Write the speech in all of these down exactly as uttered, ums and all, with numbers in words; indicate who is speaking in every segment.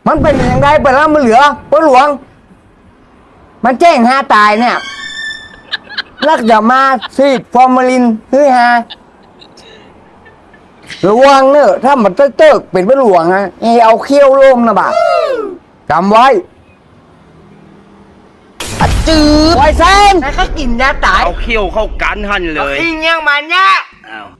Speaker 1: มันเป็นอย่างไรไปแล้วมันเหลือพ่อหลวงมันแจ้งหาตายเนี่ยลักจะมาซีดฟอร์มาลินเฮ้ยฮะระวังเนอะถ้ามันเติกเป็นพ่อหลวงนะเอเอาเขี้ยวโล่มนะบ่าจำไว้จืดไว้เส้นแล้วก็กินยาตาย
Speaker 2: เอาเขี้ยวเข้ากันหันเลย
Speaker 1: อิงยังมันเนี่ย
Speaker 2: อ้าว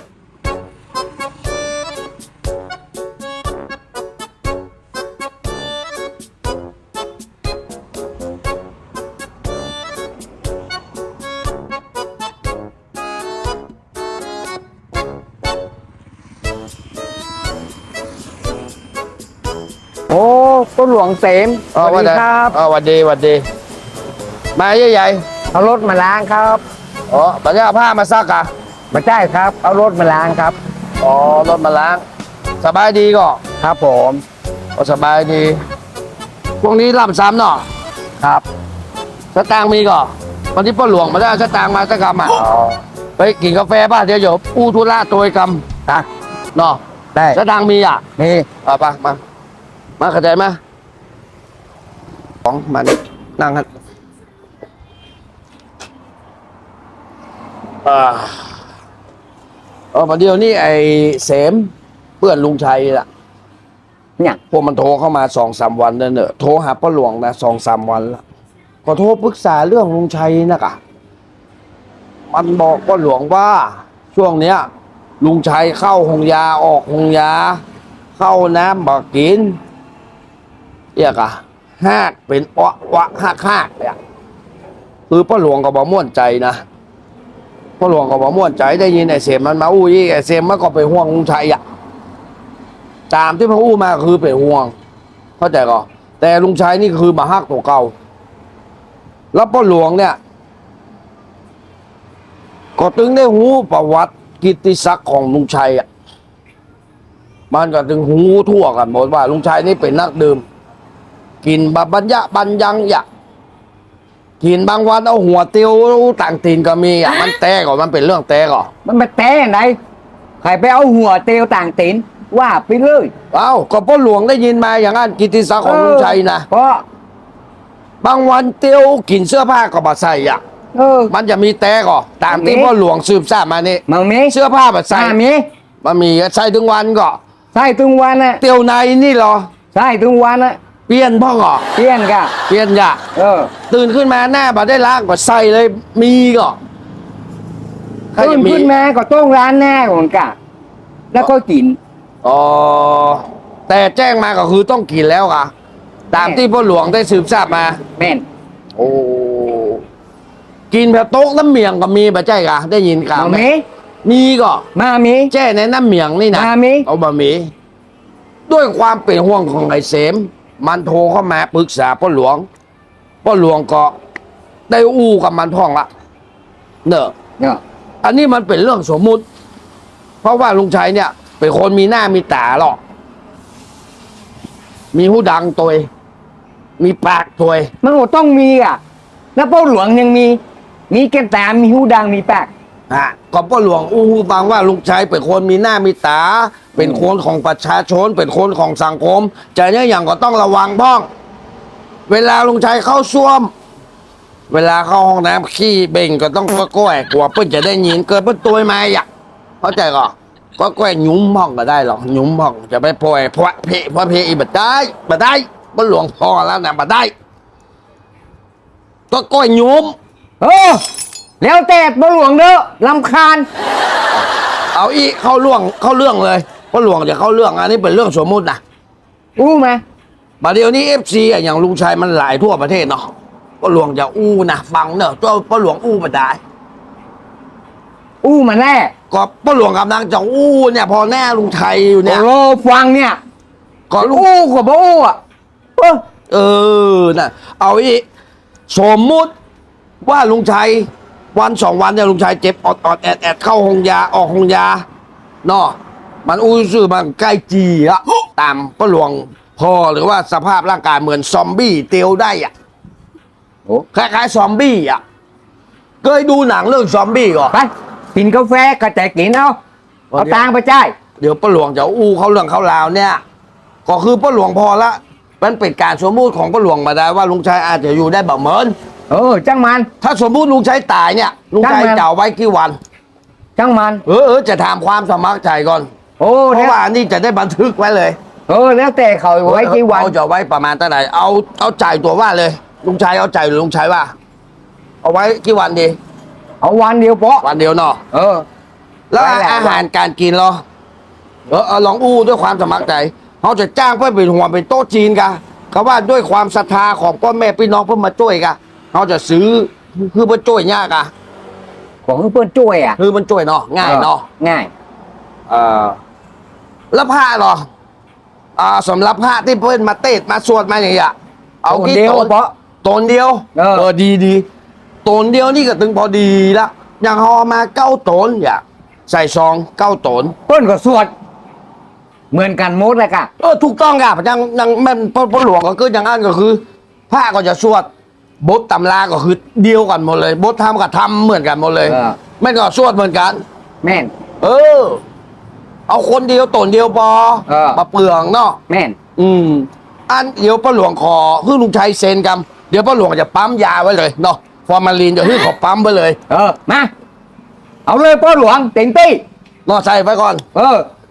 Speaker 1: โอ้พ่อหลวงเสมสวัสดีครับ
Speaker 3: อ๋อวันดีวันดีมาใหญ่
Speaker 1: ๆเอารถมาล้างครับ
Speaker 3: ๆอ๋อปัญญาผ้ามาซักอ่ะ
Speaker 1: มาใช่ครับเอารถมาล้างครับ
Speaker 3: อ๋อรถมาล้างสบายดีก็
Speaker 1: ครับผม
Speaker 3: ก็สบายดีพวกนี้ล่ำซ้ำเนาะ
Speaker 1: ครับ
Speaker 3: สตางค์มีก็วันที่พ่อหลวงมาได้สตางค์มาสักกำอ่ะไปกินกาแฟบ้านเดี๋ยวเดี๋ยวอู้ทุระตัวกำ
Speaker 1: นะ
Speaker 3: เนาะ
Speaker 1: ได้
Speaker 3: สตางค์มีอ่ะ
Speaker 1: มี
Speaker 3: อ่ะไปมามาเข้าใจไหมของมันนั่งกันอ่าเออประเดี๋ยวนี้ไอ้เสมเพื่อนลุงชัยล่ะ
Speaker 1: เนี่ย
Speaker 3: พวกมันโทรเข้ามาสองสามวันแล้วเนอะโทรหาพ่อหลวงนะสองสามวันแล้วก็โทรปรึกษาเรื่องลุงชัยนะกะมันบอกพ่อหลวงว่าช่วงเนี้ยลุงชัยเข้าหงยาออกหงยาเข้าน้ำบอกกินเรียกอะหากเป็นอ้อวะหักหักเนี่ยคือพ่อหลวงก็บอกม่วนใจนะพ่อหลวงก็บอกม่วนใจได้ยินไอ้เสมมันมาอู้ยี่ไอ้เสมมันก็ไปห่วงลุงชัยอะตามที่พ่ออู้มาคือเป็นห่วงเข้าใจก็แต่ลุงชัยนี่คือมาฮักตัวเก่าแล้วพ่อหลวงเนี่ยก็ตึงได้หูประวัติกิตติศักดิ์ของลุงชัยอ่ะมันก็ถึงหูทั่วกันหมดว่าลุงชัยนี่เป็นนักดื่มกินบะบัญญะบัญญังอยากกินบางวันเอาหัวเตียวต่างตีนก็มีอ่ะมันแตกก่อนมันเป็นเรื่องแตกก่อน
Speaker 1: มันมาแต้ไหนใครไปเอาหัวเตียวต่างตีนว่าไปเลย
Speaker 3: เอ้าก็พ่อหลวงได้ยินมาอย่างนั้นกิตติศักดิ์ของลุงชัยนะ
Speaker 1: เพราะ
Speaker 3: บางวันเตียวกินเสื้อผ้าก็บาใส่อ่ะ
Speaker 1: เออ
Speaker 3: มันจะมีแตกก่อนตามที่พ่อหลวงสืบทราบมานี่
Speaker 1: มันมี
Speaker 3: เสื้อผ้าบาใส่
Speaker 1: มี
Speaker 3: มันมีใส่ถึงวันก็
Speaker 1: ใส่ถึงวันน่ะ
Speaker 3: เตียวในนี่เหรอ
Speaker 1: ใส่ถึงวันน่ะ
Speaker 3: เปลี่ยนพ่อก่อ
Speaker 1: เปลี่ยนกะ
Speaker 3: เปลี่ยนอย่า
Speaker 1: เออ
Speaker 3: ตื่นขึ้นมาหน้าบ่ได้ล้างก็ใส่เลยมีก็
Speaker 1: ตื่นขึ้นมาก็ต้องร้านแน่ก่อนกะแล้วก็กิน
Speaker 3: อ๋อแต่แจ้งมาก็คือต้องกินแล้วค่ะตามที่พ่อหลวงได้สืบทราบมา
Speaker 1: แม่น
Speaker 3: โอ้กินแบบโต๊ะน้ำเมียงก็มีบ่ใช่กะได้ยินข่าวไหมมีก็
Speaker 1: มามี
Speaker 3: แจ้ในน้ำเมียงนี่นะ
Speaker 1: มามี
Speaker 3: เอาบะหมี่ด้วยความเป็นห่วงของไอ้เสมมันโทรเข้ามาปรึกษาพ่อหลวงพ่อหลวงก็ได้อู้กับมันท่องละเนอะ
Speaker 1: เนี่ย
Speaker 3: อันนี้มันเป็นเรื่องสมมุติเพราะว่าลุงชัยเนี่ยเป็นคนมีหน้ามีตาหรอกมีหูดังตัวมีปากตัว
Speaker 1: มันก็ต้องมีอ่ะแล้วพ่อหลวงยังมีมีแก้มตามีหูดังมีปาก
Speaker 3: อ่ะก็พ่อหลวงอู้ฟังว่าลุงชัยเป็นคนมีหน้ามีตาเป็นคนของประชาชนเป็นคนของสังคมใจเนี่ยอย่างก็ต้องระวังบ้องเวลาลุงชัยเข้าซ่วมเวลาเข้าห้องน้ำขี้เบ่งก็ต้องก็ก้อยกลัวเพื่อนจะได้ยินเกิดเพื่อนตัวมาอยากเข้าใจก่อก็ก้อยหยุ้มห้องก็ได้หรอกหยุ้มห้องจะไปปล่อยเพราะเพเพราะเพอีบัดได้บัดได้พ่อหลวงพอแล้วนะบัดได้ก็ก้อยหยุ้ม
Speaker 1: เออแล้วแต่พ่อหลวงเด้อรำคาญ
Speaker 3: เอาอีเข้าเรื่องเข้าเรื่องเลยพ่อหลวงจะเข้าเรื่องอันนี้เป็นเรื่องสมมุตินะ
Speaker 1: อู้ไหม
Speaker 3: บัดเดี๋ยวนี้เอฟซีอย่างลุงชัยมันหลายทั่วประเทศเนาะพ่อหลวงจะอู้นะฟังเนอะตัวพ่อหลวงอู้มาได้
Speaker 1: อู้มาแน่
Speaker 3: ก็พ่อหลวงกำลังจะอู้เนี่ยพอแน่ลุงชัยอยู่เนี่ย
Speaker 1: โอ้ฟังเนี่ย
Speaker 3: ก็
Speaker 1: อู้กว่าบ่อู้อ่ะ
Speaker 3: เออน่ะเอาอีสมมุติว่าลุงชัยวันสองวันเนี่ยลุงชัยเจ็บอดอดแอดแอดเข้าห้องยาออกห้องยาเนาะมันอู้ซื่อมันใกล้จีละตามพ่อหลวงพอหรือว่าสภาพร่างกายเหมือนซอมบี้เตียวได้อ่ะโอ้คล้ายๆซอมบี้อ่ะเคยดูหนังเรื่องซอมบี้ก่อน
Speaker 1: ไปกินกาแฟก็แต่กินเอาเอาตังไปจ่าย
Speaker 3: เดี๋ยวพ่อหลวงจะอู้เขาเรื่องเขาราวเนี่ยก็คือพ่อหลวงพอละมันเป็นการสมมุติของพ่อหลวงมาได้ว่าลุงชัยอาจจะอยู่ได้แบบเหมือน
Speaker 1: เออจังมัน
Speaker 3: ถ้าสมมุติลุงชัยตายเนี่ยลุงชัย
Speaker 1: ช่างมัน
Speaker 3: จะเอาไว้กี่วัน
Speaker 1: จังมัน
Speaker 3: เออเออจะถามความสมัครใจก่อน
Speaker 1: โอ้
Speaker 3: เพ
Speaker 1: แล้ว
Speaker 3: ราะว่าอันนี้จะได้บันทึกไว้เลย
Speaker 1: เออแล้วแต่เขาไว้กี่วัน
Speaker 3: เอาจะไว้ประมาณเท่าไหร่เอาเอาจ่ายตัวว่าเลย ลุงชัยเอาจ่ายหรือลุงชัยว่า เอาไว้กี่วันดี
Speaker 1: เอาวันเดียวเพาะ
Speaker 3: วันเดียวเนาะ
Speaker 1: เออ
Speaker 3: แล้ว
Speaker 1: ไว้แหละ
Speaker 3: อาหารการกินเหรอเออเอาลองอู้ด้วยความสมัครใจเขาจะจ้างเพื่อเป็นหัวเป็นโต๊ะจีนกันเขาว่าด้วยความศรัทธาของพ่อแม่พี่น้องเพื่อมาช่วยกันเขาจะซื้อคือมาช่วยยากอะ
Speaker 1: ของเพื่อนช่วยอ่ะ
Speaker 3: คือมันช่วยเนาะง่ายเนาะ
Speaker 1: ง่าย
Speaker 3: เออแล้วผ้าเหรออ่าสำหรับผ้าที่เพื่อนมาเตะมาสวดมาอย่างเงี้ยเอา
Speaker 1: คน
Speaker 3: กี่
Speaker 1: เดียว
Speaker 3: ตน
Speaker 1: เพาะ
Speaker 3: ตนเดียว
Speaker 1: เออ
Speaker 3: ดีดีตนเดียวนี่ก็ถึงพอดีละอย่างเอามาเก้าตนอย่าใส่ซองเก้าตน
Speaker 1: เพื่อนก็สวด เหมือนกันหมดเลยกะ
Speaker 3: เออถูกต้องครับยังยังแม่นพ่อพ่อหลวงก็คืออย่างนั้นก็คือผ้าก็จะสวดบทตำราก็คือเดียวกันหมดเลยบททำกับทำเหมือนกันหมดเลย
Speaker 1: เออ
Speaker 3: แม่นก็สวดเหมือนกัน
Speaker 1: แม่น
Speaker 3: เออ เอาคนเดียวตนเดียวพอ
Speaker 1: เออ
Speaker 3: มาเปลืองเนาะ
Speaker 1: แม่น
Speaker 3: อืม อันเดี๋ยวพ่อหลวงขอเพื่อลุงชัยเซ็นกันเดี๋ยวพ่อหลวงจะปั๊มยาไว้เลยเนาะฟอร์มาลีนเดี๋ยวให้ขอปั๊มไว้เลย
Speaker 1: เออมาเอาเลยพ่อหลวงเต็งตี้
Speaker 3: เนาะใส่ไว้ก่อน
Speaker 1: เออ